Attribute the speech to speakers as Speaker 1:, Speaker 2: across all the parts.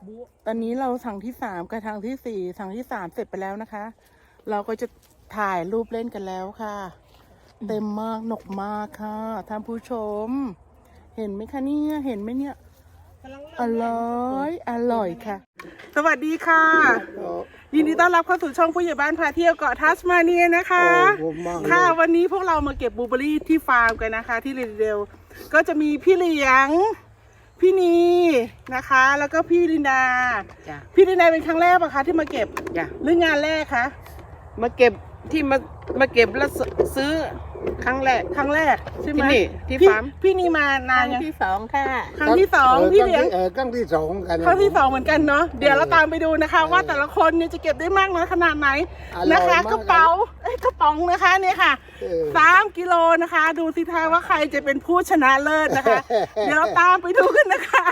Speaker 1: ตอนนี้เราสั่งที่3กับทางที่4สั่งที่3เสร็จไปแล้วนะคะ เราก็จะถ่ายรูปเล่นกันแล้วค่ะ เต็มมากหนกมากค่ะท่านผู้ชม เห็นไหมคะเนี่ยเห็นไหมเนี่ยอร่อยค่ะ สวัสดีค่ะยินดีต้อนรับเข้าสู่ช่องผู้ใหญ่บ้านพาเที่ยวเกาะทัสมาเนียนะคะค่ะวันนี้พวกเรามาเก็บบลูเบอร์รี่ที่ฟาร์มกันนะคะ ที่เรเดลก็จะมีพี่เหลียงพี่นีนะคะ แล้วก็พี่ลินดาพี่ลินดาเป็นครั้งแรกปะคะที่มาเก็บหรืองานแรกคะ
Speaker 2: มาเก็บที่มาเก็บแล้วซื้อครั้งแรก
Speaker 1: ใช่ไหม
Speaker 2: ที่ฟาร์ม
Speaker 1: พี่นีมานานยัง
Speaker 3: ที่2ค่ะ
Speaker 1: ครั้งที่2พี่เลี้ยง
Speaker 4: ครั้งที่2กัน
Speaker 1: ครั้งที่2เหมือนกันเนาะเดี๋ยวเราตามไปดูนะคะ ว่าแต่ละคนเนี่ยจะเก็บได้มากน้อยขนาดไหนนะคะกระป๋องนะคะเนี่ยค่ะ3 กิโลนะคะ ดูสิท่าว่าใครจะเป็นผู้ชนะเลิศนะคะเดี๋ยวเราตามไปดูกันนะคะ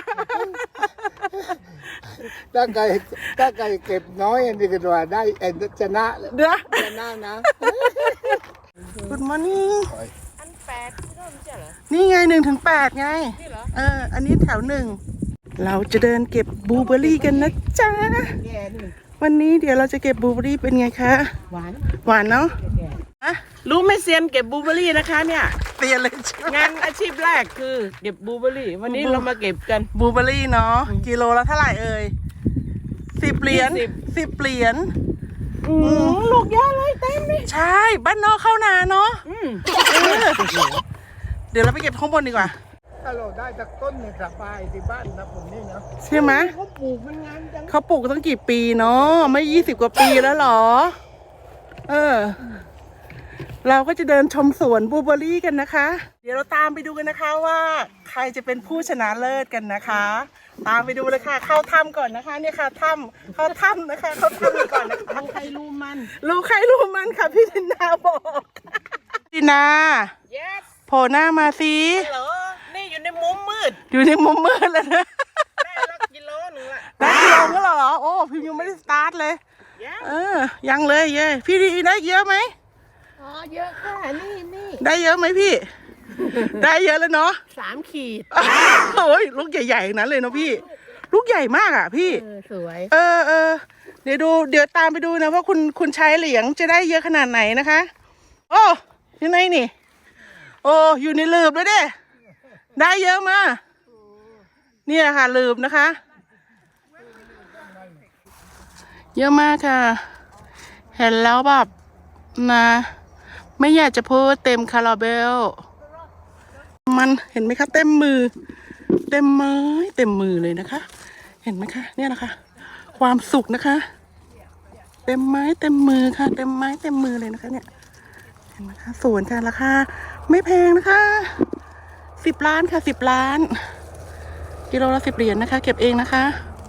Speaker 4: ถ้าใครเก็บน้อยอันนี้ก็ว่าได้ชนะนะ
Speaker 1: Good morning
Speaker 3: อัน8ที่เริ่มใช่เหรอ
Speaker 1: นี่ไง1 ถึง 8ไง
Speaker 3: นี่เหรอ
Speaker 1: อันนี้แถว1เราจะเดินเก็บบลูเบอร์รี่กันนะจ๊ะวันนี้เดี๋ยวเราจะเก็บบลูเบอร์รี่เป็นไงคะหวานเนาะ
Speaker 2: รู้ไหมเซียนเก็บบลูเบอร์รี่นะคะเนี่ย
Speaker 1: เตียนเลย
Speaker 2: งานอาชีพแรกคือเก็บบลูเบอร์รี่วันนี้เรามาเก็บกัน
Speaker 1: บลูเบอร์รี่เนาะกิโลละเท่าไหร่เอ่ย10 เหรียญ10 เหรียญ
Speaker 2: ลูกเยอะเลยเต็มเลย
Speaker 1: ใช่บ้านนอกเข้านาเนาะเดี๋ยวเราไปเก็บข้างบนดีกว่า
Speaker 4: ถ้าเราได้จากต้นเนี่ยสบายที่บ้านนะผมนี่นะ
Speaker 1: ใช่ไหม
Speaker 4: เขาปลูกมันงานจัง
Speaker 1: เขาปลูกตั้งกี่ปีเนาะไม่20 กว่าปีแล้วหรอเราก็จะเดินชมสวนบลูเบอร์รี่กันนะคะเดี๋ยวเราตามไปดูกันนะคะว่าใครจะเป็นผู้ชนะเลิศกันนะคะตามไปดูเลยค่ะเข้าถ้ำก่อนนะคะเนี่ยค่ะเข้าถ้ำนะคะเข้าถ้ำก่อนนะคะ
Speaker 2: รู้ใครรู้
Speaker 1: มันค่ะพี่ดินาบอกดินา
Speaker 2: yes
Speaker 1: โผล่หน้ามาสิ
Speaker 2: เหรอนี่อยู่ในมุมมืด
Speaker 1: แล้วนะ
Speaker 2: ได้ละกิโลนึงละ
Speaker 1: ได้กิโลก็เหรอโอ้พี่ยังไม่ได้สตาร์ทเลยยังเลยเย้พี่ดีได้เยอะไหม
Speaker 3: เยอะค่ะนี่
Speaker 1: ได้เยอะไหมพี่ ได้เยอะแล้วเนาะ
Speaker 3: 3 ขีด
Speaker 1: โอ้ยลูกใหญ่ๆนั้นเลยเนาะพี่ลูกใหญ่มากอ่ะพี่
Speaker 3: สวย
Speaker 1: เดี๋ยวตามไปดูนะว่าคุณชายเหลียงจะได้เยอะขนาดไหนนะคะโอ้อยู่ไหนนี่โอ้อยู่ในหลืบเลยเด้ได้เยอะมาเนี่ยค่ะหลืบนะคะเยอะมากค่ะเห็นแล้วแบบนะไม่อยากจะพูดเต็มคาราเบลมันเห็นไหมคะเต็มมือเต็มไม้เต็มมือเลยนะคะเห็นไหมคะเนี่ยนะคะความสุขนะคะเต็มไม้เต็มมือค่ะเต็มไม้เต็มมือเลยนะคะเนี่ยเห็นไหมคะสวนค่ะราคาไม่แพงนะคะ10 ล้านค่ะ10 ล้านกิโลละ10 เหรียญนะคะเก็บเองนะคะ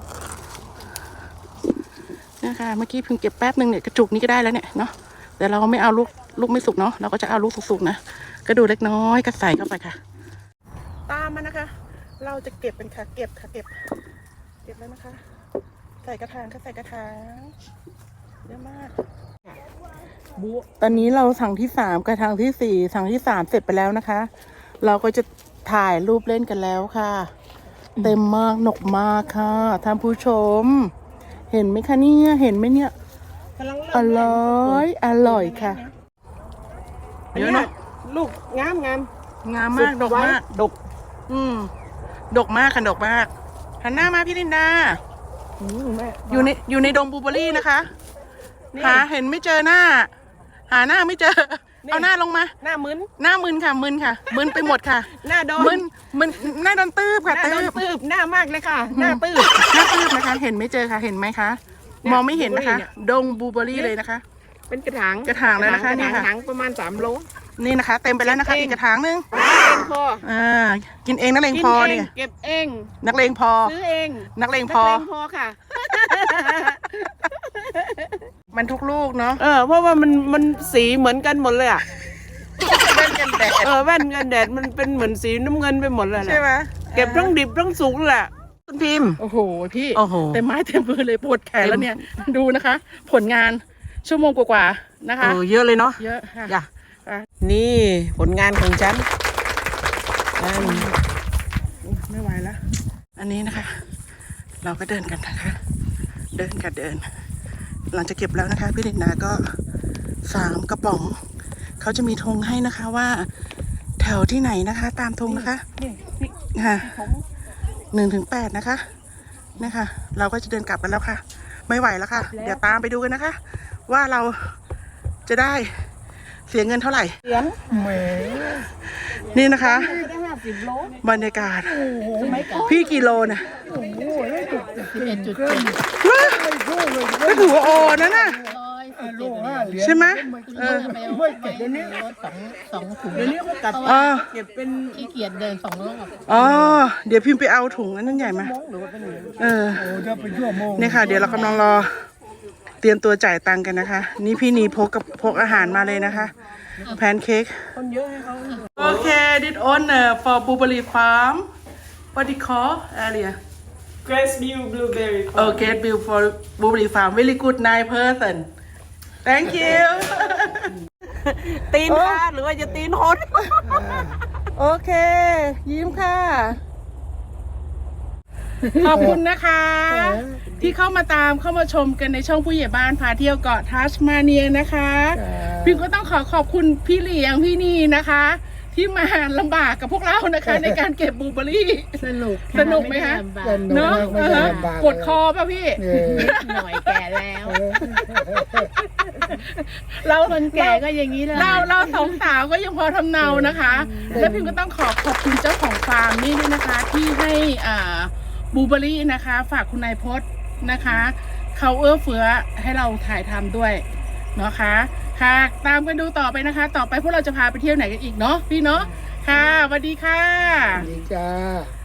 Speaker 1: เนี่ยค่ะเมื่อกี้เพิ่งเก็บแป๊บนึงเนี่ยกระจุกนี้ก็ได้แล้วเนี่ยเนาะแต่เราไม่เอาลูกไม่สุกเนาะเราก็จะเอาลูกสุกๆนะก็ดูเล็กน้อยก็ใส่เข้าไปค่ะตามมานะคะเราจะเก็บเป็นค่ะเก็บแล้วนะคะใส่กระถางเยอะมากตอนนี้เราสั่งที่3กับทางที่4สั่งที่3เสร็จไปแล้วนะคะ เราก็จะถ่ายรูปเล่นกันแล้วค่ะเต็มมากหนกมากค่ะท่านผู้ชมเห็นไหมคะเนี่ยเห็นไหมเนี่ยอร่อยค่ะ
Speaker 2: เยอะเนาะลูกงาม
Speaker 1: มากดกมากดกมากค่ะดกมากหันหน้ามาพี่ลินดาอยู่ในดงบลูเบอร์รี่นะคะหาเห็นไม่เจอหน้าหาหน้าไม่เจอเอาหน้าลงมา
Speaker 2: หน้ามึน
Speaker 1: ค่ะมึนไปหมดค่ะ
Speaker 2: หน้าโดน
Speaker 1: หน้าโดนตืบค่ะ
Speaker 2: ตืบหน้ามากเลยค่ะหน้าตืบ
Speaker 1: นะคะเห็นไม่เจอค่ะเห็นไหมคะมองไม่เห็นนะคะดงบลูเบอร์รี่เลยนะคะ
Speaker 2: เป็นกระถาง
Speaker 1: แล้วนะคะนี่ค่ะ
Speaker 2: กระถางประมาณ3 โล
Speaker 1: นี่นะคะเต็มไปแล้วนะคะอีกกระถางนึง
Speaker 2: พอ
Speaker 1: กินเองนักเลงพอเนี่ย
Speaker 2: เก็บเอง
Speaker 1: นักเลงพอ
Speaker 2: ซื้อเอง
Speaker 1: นักเลงพอ
Speaker 2: ค่ะ
Speaker 1: มันทุกลูกเนาะ
Speaker 2: เพราะว่ามันสีเหมือนกันหมดเลยอ่ะ
Speaker 1: แว่นกันแดด
Speaker 2: แว่นกันแดดมันเป็นเหมือนสีน้ำเงินไปหมดเลย
Speaker 1: ใช่ไหม
Speaker 2: เก็บทั้งดิบทั้งสุกแหละ
Speaker 1: คุณพิมพ์โอ้โหพี่เต็มไม้เต็มมือเลยปวดแขนแล้วเนี่ยดูนะคะ ผลงานชั่วโมงกว่าๆนะคะ
Speaker 2: เยอะเลยเนาะ
Speaker 1: เยอะค่ะ
Speaker 2: นี่ผลงานของฉัน
Speaker 1: ไม่ไหวแล้วอันนี้นะคะเราก็เดินกันนะคะ เดินกันเดิน หลังจากเก็บแล้วนะคะ พี่ลินดาก็3 กระป๋อง เขาจะมีธงให้นะคะว่า แถวที่ไหนนะคะ ตามธงนะคะค่ะ1-8นะคะนะคะเราก็จะเดินกลับกันแล้วค่ะ ไม่ไหวแล้วค่ะ เดี๋ยวตามไปดูกันนะคะ ว่าเราจะได้เสียเงินเท่าไหร่
Speaker 4: แหม
Speaker 1: นี่นะคะ
Speaker 3: ได้50 โล
Speaker 1: บรรยากาศ พี่กี่โลนะ
Speaker 3: 11.7
Speaker 1: ก็ถือว่าโอนั่นน่ะ
Speaker 4: โล5 เหรียญ
Speaker 1: ใช่ไหมเออ
Speaker 4: ไม่เก็บเดี๋ยวนี้
Speaker 3: สองถุง
Speaker 2: เดี๋ยวนี้เขากลับ
Speaker 1: อ๋อ
Speaker 2: เก็บเป็น
Speaker 3: ขี้เกียจเดิน2 รอบ
Speaker 1: อ๋อ เดี๋ยวพิมพ์ไปเอาถุงอันนั้นใหญ่ไหม
Speaker 2: หรือว่าเป็นเหรียญ
Speaker 1: เออ
Speaker 4: โอ้ถ้าเป็นชั่วโมง
Speaker 1: เนี่ยค่ะ เดี๋ยวเรากำลังรอ เตรียมตัวจ่ายตังค์กันนะคะ นี่พี่นีพกอาหารมาเลยนะคะ แพนเค้ก
Speaker 2: คนเยอะให้เขา
Speaker 1: โอเค this owner for Blueberry Farm what do you call area
Speaker 2: Graceview Blueberry
Speaker 1: okay bill for Blueberry Farm very good nice person thank you
Speaker 2: ตีนค่ะหรือว่าจะตีนหด
Speaker 1: โอเค ยิ้มค่ะ ขอบคุณนะคะ ที่เข้ามาชมกันในช่องผู้ใหญ่บ้านพาเที่ยวเกาะทัสมาเนียนะคะพี่ก็ต้องขอบคุณพี่เหลียงพี่นีนะคะ ที่มาลำบากกับพวกเรานะคะ ในการเก็บบลูเบอร์รี่
Speaker 3: สนุก
Speaker 1: สนุกไหมคะ เนาะ
Speaker 4: ไม่ได้ลำบาก
Speaker 1: ปวดคอป่ะพี่
Speaker 4: เออ
Speaker 3: หน่อยแก่แล้ว
Speaker 1: เรา
Speaker 3: คนแก่ก็อย่างนี้แหละ
Speaker 1: เราสองสาวก็ยังพอทำเนานะคะ และพิมก็ต้องขอบคุณเจ้าของฟาร์มนี่ด้วยนะคะ ที่ให้บลูเบอร์รี่นะคะ ฝากคุณนายพจน์นะคะเขาเอื้อเฟื้อให้เราถ่ายทำด้วยเนาะค่ะค่ะ ตามกันดูต่อไปนะคะ ต่อไปพวกเราจะพาไปเที่ยวไหนกันอีกเนาะพี่เนาะค่ะสวัสดีค่ะ
Speaker 4: ดีจ้า